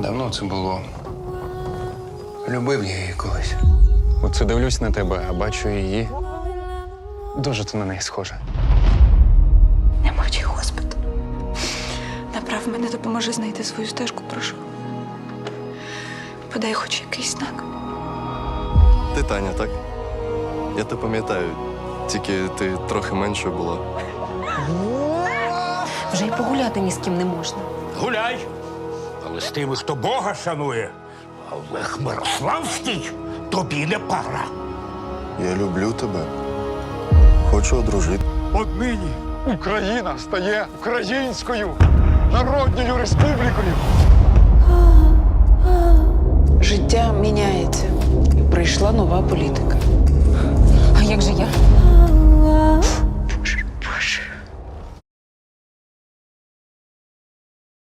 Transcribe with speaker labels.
Speaker 1: Давно це було. Любив я її колись.
Speaker 2: Оце дивлюсь на тебе, а бачу її. Дуже ти на неї схожа.
Speaker 3: Не мовчи, Господи. Направ мене, допоможи знайти свою стежку, прошу. Подай хоч якийсь знак.
Speaker 4: Ти Таня, так? Я тебе пам'ятаю, тільки ти трохи меншою була.
Speaker 5: Вже й погуляти ні з ким не можна.
Speaker 6: Гуляй, але з тими, хто Бога шанує. А Олег Мирославський тобі не пара.
Speaker 4: Я люблю тебе. Хочу одружити.
Speaker 2: Однині Україна стає українською народною республікою.
Speaker 7: Життя міняється. І прийшла нова політика.
Speaker 5: А як же я?